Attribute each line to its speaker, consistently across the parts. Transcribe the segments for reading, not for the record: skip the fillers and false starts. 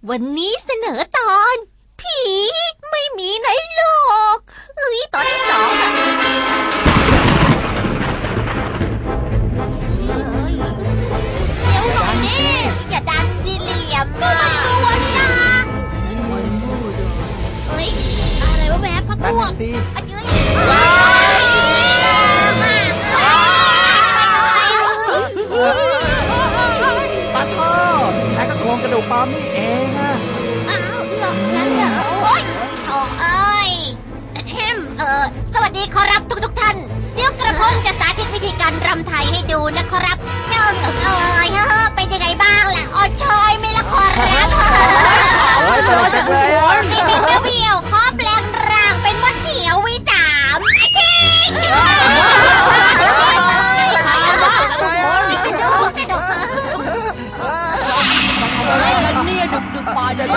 Speaker 1: วันนี้เสนอตอน ผีไม่มีในโลกตอนที่2อะเดี๋ยวหน่อยนี่อย่าดันดิเหลี่ยมอะกลัวนะอะไรวะแม่พักพวก
Speaker 2: ปะโต้นายก็โครงกระดูกปลอมนี่เองอะ
Speaker 1: อ้าวหรอกนั่นเหรอโอ๊ยโธ่เอ้ยสวัสดีขอรับทุกท่านเดี๋ยวกระผมจะสาธิตวิธีการรำไทยให้ดูนะครับเจ้าเป็นยังไงบ้างล่ะอชอยไม่ละขอรับ
Speaker 2: โอ้ยตลกจังเลย
Speaker 1: เบี้ยวขอแปลงร่างเป็นมดเขียววี3อาชิสนุก
Speaker 3: อะไรกันเนี่ยดึกๆป่าน
Speaker 2: จะ
Speaker 3: มี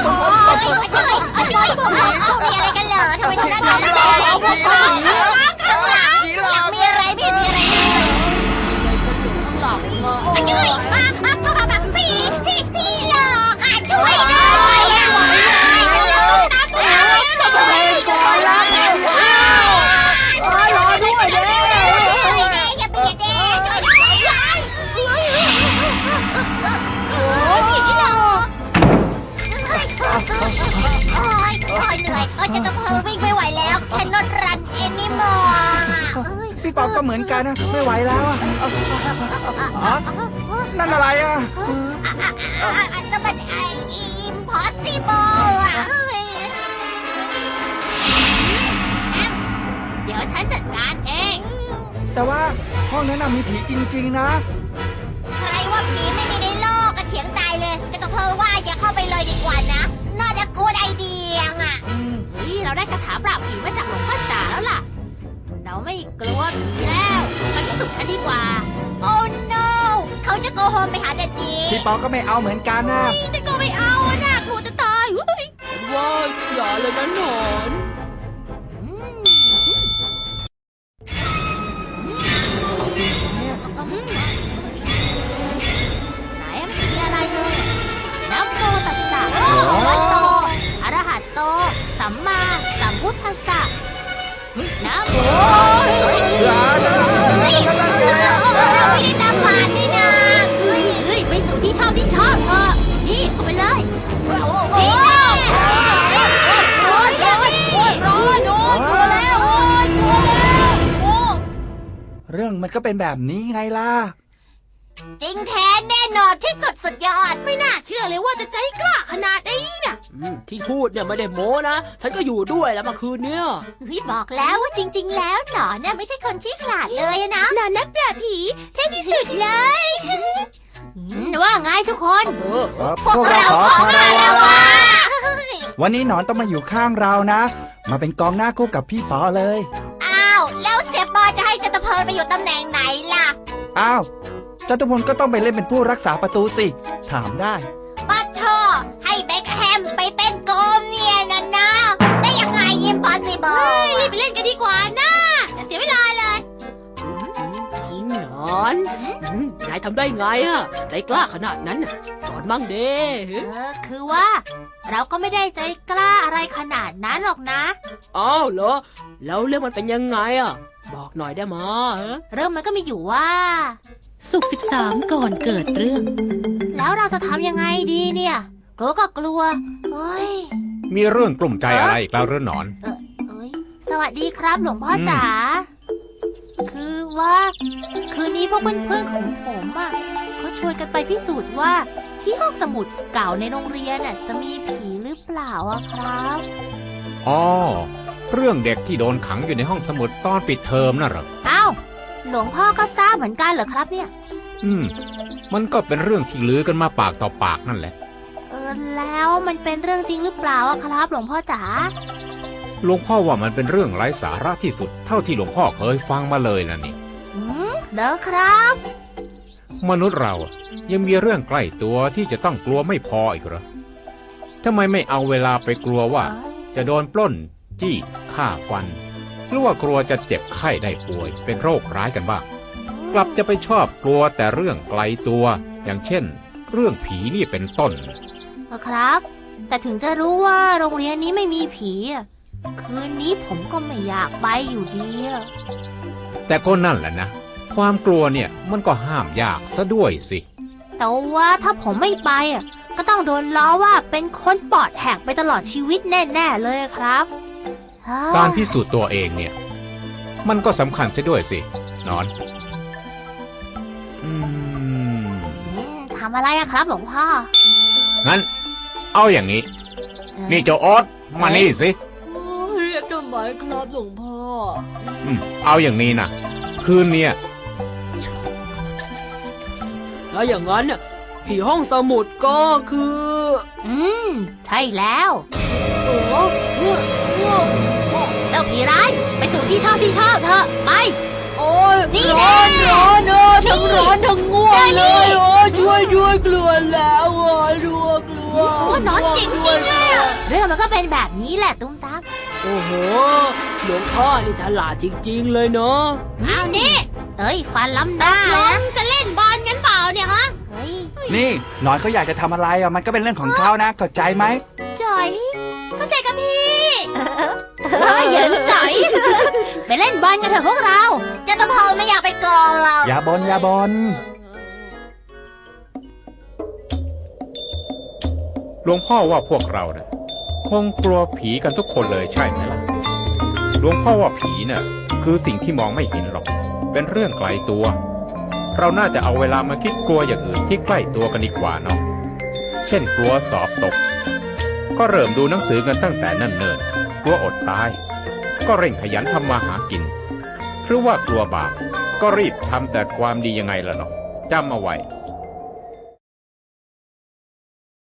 Speaker 1: อะไรกันเหรอทำไมต้องนั่งร้องไห้ข้างหลังอยากมีอะไรไม่มีอะไร
Speaker 3: ข้างหลัง
Speaker 1: ช่วยพี่หลอกอ่ะช่วยด้วยอ่ะ
Speaker 3: รอด้วยเด้
Speaker 1: อย่าเบียดเด้ช่วยด้วยพี่หลอกเหนื่อยจะกระเพอวิ่งไม่ไหวแล้วแคนนอตรันเอ็นนี่มอง
Speaker 2: พี่ปอก็เหมือนกันนะไม่ไหวแล้วนั่นอะไรอ่ะ
Speaker 1: นั่นมันimpossible อ่ะเดี๋ยวฉันจัดการเอง
Speaker 2: แต่ว่าห้องนั้นมีผีจริงๆนะ
Speaker 1: ใครว่าผีไม่มีในโลกก็เถียงตายเลยจะกระเพอว่าอย่าเข้าไปเลยดีกว่านะน่าจะกูดไอเดียอ่ะเราได้คาถาปราบผีมาจากหลวงพ่อจ๋าแล้วล่ะเราไม่กลัวผีแล้วไปพิสูจน์กันดีกว่าโอ้ no เขาจะโกโฮมไปหาดัดดี
Speaker 2: พี่ปอก็ไม่เอาเหมือนกันนะ
Speaker 1: จะก็ไม่เอานะกลัวจะตาย
Speaker 3: ว่าอย่าเลยนะหนอน
Speaker 1: ไหนไม่มีอะไรเลยนะโมตัสสะวัตโตอะระหะโตสัมมาสัมพุทธัสสะนะโมเราไม่ได้ตามผ่านนี่นะไปสู่ที่ชอบเถอะนี่เข้าไปเลยนี่แน่โอ้ยร้อนโดนกลัวแล้ว
Speaker 2: เรื่องมันก็เป็นแบบนี้ไงล่ะ
Speaker 1: จริงแท้แน่นอนที่สุดยอดไม่น่าเชื่อเลยว่าจะใจกล้าขนาดนี้น่ะ
Speaker 3: ที่พูดเนี่ยไม่ได้โม้นะฉันก็อยู่ด้วยแล้วเมื่อคืนเนี่ย
Speaker 1: บอกแล้วว่าจริงๆแล้วหนอนน่ะไม่ใช่คนขี้ขลาดเลยนะหนอนนักปราบผีเท่ที่สุดเลยว่าไงทุกคน
Speaker 2: พวกเราขอคารวะวันนี้หนอนต้องมาอยู่ข้างเรานะมาเป็นกองหน้าคู่กับพี่ปอเลย
Speaker 1: อ้าวแล้วเสียปอจะให้จัตเพลินไปอยู่ตำแหน่งไหนล่ะ
Speaker 2: อ้าวจตุพลก็ต้องไปเล่นเป็นผู้รักษาประตูสิถามได้
Speaker 1: ปัทโธให้เบ็คแฮมไปเป็นโกมเนี่ยนะได้ยังไงimpossibleรีบไปเล่นกันดีกว่านะเสียเวลาเลย
Speaker 3: หนอนนายทำได้ไงอะใจกล้าขนาดนั้นสอนมั่งเด้
Speaker 1: คือว่าเราก็ไม่ได้ใจกล้าอะไรขนาดนั้นหรอกนะ
Speaker 3: อ้าวเหรอแล้วเรื่องมันเป็นยังไงอะบอกหน่อยได้มั้ย
Speaker 1: เรื่องมันก็มีอยู่ว่า
Speaker 4: ศุกร์13ก่อนเกิดเรื่อง
Speaker 1: แล้วเราจะทำยังไงดีเนี่ยกลัวก็กลัวเฮ้ย
Speaker 5: มีเรื่องกลุ่มใจอะไรอีกแล้วหรือหนอน
Speaker 1: สวัสดีครับหลวงพ่อจ๋าคือว่าคืนนี้พวกเพื่อนๆของผมอ่ะเขาชวนกันไปพิสูจน์ว่าที่ห้องสมุดเก่าในโรงเรียนน่ะจะมีผีหรือเปล่าอะครับ
Speaker 5: อ๋อเรื่องเด็กที่โดนขังอยู่ในห้องสมุดตอนปิดเทอมน่ะเหรอ
Speaker 1: อ้าวหลวงพ่อก็ทราบเหมือนกันเหรอครับเนี่ย
Speaker 5: มันก็เป็นเรื่องที่ลือกันมาปากต่อปากนั่นแหละ
Speaker 1: แล้วมันเป็นเรื่องจริงหรือเปล่าอะครับหลวงพ่อจ๋า
Speaker 5: หลวงพ่อว่ามันเป็นเรื่องไร้สาระที่สุดเท่าที่หลวงพ่อเคยฟังมาเลยนะนี่
Speaker 1: เด้อครับ
Speaker 5: มนุษย์เรายังมีเรื่องใกล้ตัวที่จะต้องกลัวไม่พออีกเหรอทำไมไม่เอาเวลาไปกลัวว่าจะโดนปล้นจี้ฆ่าฟันหรือว่ากลัวจะเจ็บไข้ได้ป่วยเป็นโรคร้ายกันบ้างกลับจะไปชอบกลัวแต่เรื่องไกลตัวอย่างเช่นเรื่องผีนี่เป็นต้น
Speaker 1: ครับ แต่ถึงจะรู้ว่าโรงเรียนนี้ไม่มีผีอะคืนนี้ผมก็ไม่อยากไปอยู่ดีอะ
Speaker 5: แต่ก็นั่นแหละนะ ความกลัวเนี่ยมันก็ห้ามยากซะด้วยสิ
Speaker 1: แต่ว่าถ้าผมไม่ไปอะก็ต้องโดนล้อว่าเป็นคนปอดแหกไปตลอดชีวิตแน่ๆเลยครับเฮ้ย
Speaker 5: การพิสูจน์ตัวเองเนี่ย มันก็สำคัญซะด้วยสิหนอน
Speaker 1: ทำอะไรอะครับหลวงพ่อ
Speaker 5: งั้น เอาอย่างนี้ นี่เจ้าออสมานี่สิ
Speaker 3: เรียกทำไมครับหลวงพ่อ
Speaker 5: เอาอย่างนี้นะคืนเนี่ย
Speaker 3: แล้วอย่างนั้นน่ะผีห้องสมุดก็คือ
Speaker 1: ใช่แล้ว
Speaker 3: โอ้โห
Speaker 1: เจ้าผีร้ายไปสู่ที่ชอบเถอะไป
Speaker 3: โอ้ย
Speaker 1: นี่
Speaker 3: ร้อน
Speaker 1: แน่
Speaker 3: ร้อนทั้งร้อนทั้งง่วง
Speaker 1: เจอนี่
Speaker 3: เลยโอ้ยช่วยด้วยกลัวแล้วอ่ะกลัว
Speaker 1: โอ้หนอนจริงๆเลยอะเรื่องมันก็เป็นแบบนี้แหละตุ้มตาม
Speaker 3: โอ้โหหลวงพ่อนี่ฉลาดจริงๆเลยเนาะ
Speaker 1: เอานี่เอ้ยฟันล้ำหน้านะจะเล่นบอลกันเปล่าเนี่ยฮะเฮ้ย
Speaker 2: นี่หนอนเขาอยากจะทำอะไรอ่ะมันก็เป็นเรื่องของเขานะเข้าใจไหม
Speaker 1: จ๋อยเข้าใจกับพี่เหยินจ๋อย ไปเล่นบอลกันเถอะพวกเราเจ้าตะพอไม่อยากไปกองเรา
Speaker 2: อย่าบนอย่าบน
Speaker 5: หลวงพ่อว่าพวกเราเนี่ยคงกลัวผีกันทุกคนเลยใช่ไหมล่ะ หลวงพ่อว่าผีเนี่ยคือสิ่งที่มองไม่เห็นหรอก เป็นเรื่องไกลตัว เราน่าจะเอาเวลามาคิดกลัวอย่างอื่นที่ใกล้ตัวกันดีกว่าเนาะ เช่นกลัวสอบตก ก็เริ่มดูหนังสือกันตั้งแต่เนิ่นๆกลัวอดตาย ก็เร่งขยันทำมาหากิน หรือว่ากลัวบาป ก็รีบทำแต่ความดียังไงล่ะเนาะจำเอาไว้